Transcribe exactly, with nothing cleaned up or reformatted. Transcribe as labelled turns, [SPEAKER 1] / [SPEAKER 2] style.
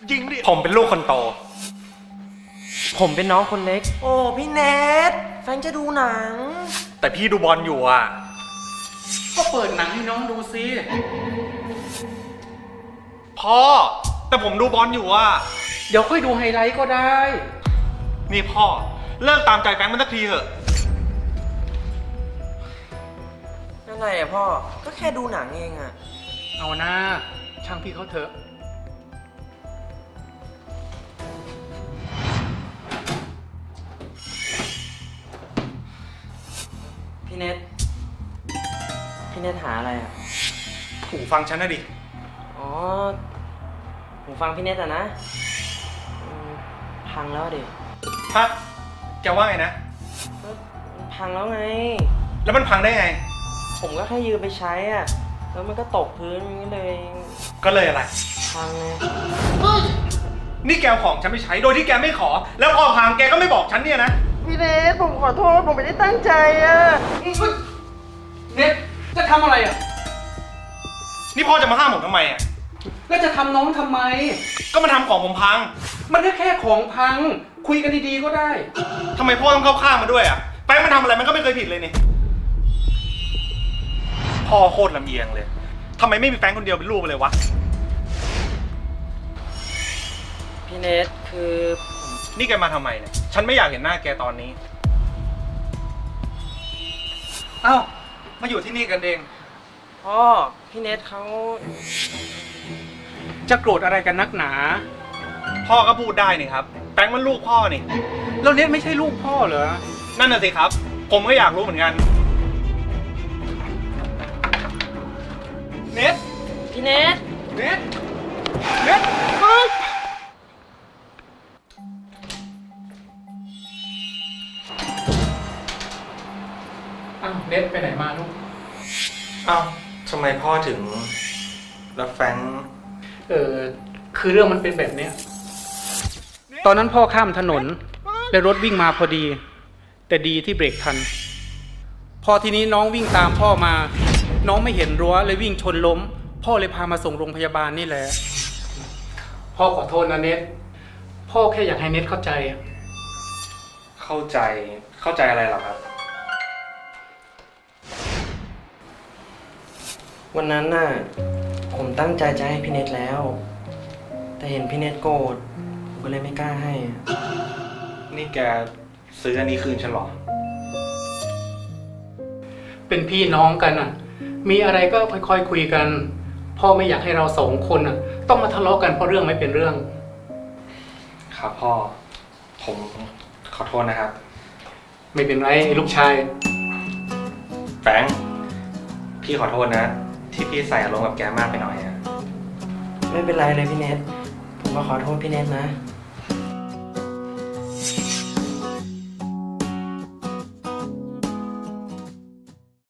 [SPEAKER 1] ยิงดิผมเป็นลูกคนโต
[SPEAKER 2] ผมเป็นน้องคนเล็กโอ้พี่เนทแฟนจะดูหนัง
[SPEAKER 1] แต่พี่ดูบอลอยู่อ่ะ
[SPEAKER 3] ก็เปิดหนังให้น้องดูสิ
[SPEAKER 1] พ่อแต่ผมดูบอลอยู่อ่ะ
[SPEAKER 3] เดี๋ยวค่อยดูไฮไลท์ก็ได้
[SPEAKER 1] นี่พ่อเลิกตามใจแฟนมันสักทีเถอะ
[SPEAKER 2] อะไรอะพ่อก็แค่ดูหนังเองอะ
[SPEAKER 3] เอาหน้าช่างพี่เขาเถอะ
[SPEAKER 2] พี่เนทพี่เนทหาอะไรอะ
[SPEAKER 1] หูฟังฉันนะดิ
[SPEAKER 2] อ๋อหูฟังพี่เนทอะนะพังแล้วดิ
[SPEAKER 1] ฮะแกว่าไงนะ
[SPEAKER 2] มันพังแล้วไง
[SPEAKER 1] แล้วมันพังได้ไง
[SPEAKER 2] ผมก็แค่ยืมไปใช้อ่ะแล้วมันก็ตกพื้นก็เลย
[SPEAKER 1] ก็เลยอะไร
[SPEAKER 2] พังไง
[SPEAKER 1] นี่แกของฉันไปใช้โดยที่แกไม่ขอแล้วพอพังแกก็ไม่บอกฉันเนี่ยนะ
[SPEAKER 2] พี่เนทผมขอโทษผมไม่ได้ตั้งใจอ่ะ
[SPEAKER 3] เนทจะทำอะไรอ่ะ
[SPEAKER 1] นี่พ่อจะมาห้ามผมทำไมอ่ะ
[SPEAKER 3] แล้วจะทำน้องทำไม
[SPEAKER 1] ก็มาทำของผมพัง
[SPEAKER 3] มันแค่แค่ของพังคุยกันดีๆก็ได้
[SPEAKER 1] ทำไมพ่อต้องเข้าข้างมาด้วยอ่ะแป้งมันทำอะไรมันก็ไม่เคยผิดเลยนี่พ่อโคตรลำเอียงเลยทำไมไม่มีแฟนคนเดียวเป็นลูกไปเลยวะ
[SPEAKER 2] พี่เนทคือ
[SPEAKER 1] นี่แกมาทำไมเนี่ยฉันไม่อยากเห็นหน้าแกตอนนี้อ้าวมาอยู่ที่นี่กันเอง
[SPEAKER 2] พ่อพี่เนทเขา
[SPEAKER 3] จะโกรธอะไรกันนักหนา
[SPEAKER 1] พ่อก็พูดได้นี่ครับแฟรงค์มันลูกพ่อนี่
[SPEAKER 3] แล้วเนทไม่ใช่ลูกพ่อเหรอ
[SPEAKER 1] นั่นน่ะสิครับผมก็อยากรู้เหมือนกันเนท
[SPEAKER 2] พี่เนท
[SPEAKER 1] เนทเนทเฮ้ย
[SPEAKER 3] อ้าวเนทไปไหนมาลูก
[SPEAKER 1] อ้าวทำไมพ่อถึงรับแฟรงค์
[SPEAKER 3] เออคือเรื่องมันเป็นแบบเนี้ยตอนนั้นพ่อข้ามถนนและรถวิ่งมาพอดีแต่ดีที่เบรกทันพอทีนี้น้องวิ่งตามพ่อมาน้องไม่เห็นรั้วเลยวิ่งชนล้มพ่อเลยพามาส่งโรงพยาบาลนี่แหละพ่อขอโทษนะเนทพ่อแค่อยากให้เนทเข้าใจ
[SPEAKER 1] เข้าใจเข้าใจอะไรหรอครับ
[SPEAKER 2] วันนั้นน่ะผมตั้งใจจะให้พี่เนทแล้วแต่เห็นพี่เนทโกรธผมก็เลยไม่กล้าให้
[SPEAKER 1] นี่แกซื้ออันนี้คืนฉันหรอ
[SPEAKER 3] เป็นพี่น้องกันอ่ะมีอะไรก็ค่อยๆคุยกันพ่อไม่อยากให้เราสองคนอ่ะต้องมาทะเลาะกันเพราะเรื่องไม่เป็นเรื่อง
[SPEAKER 1] ครับพ่อผมขอโทษนะครับ
[SPEAKER 3] ไม่เป็นไรลูกชาย
[SPEAKER 1] แฟรงค์พี่ขอโทษนะที่พี่ใส่อารมณ์กับแกมากไปหน่อยอะ
[SPEAKER 2] ไม่เป็นไรเลยพี่เนทผมก็ขอโทษพี่เนทนะ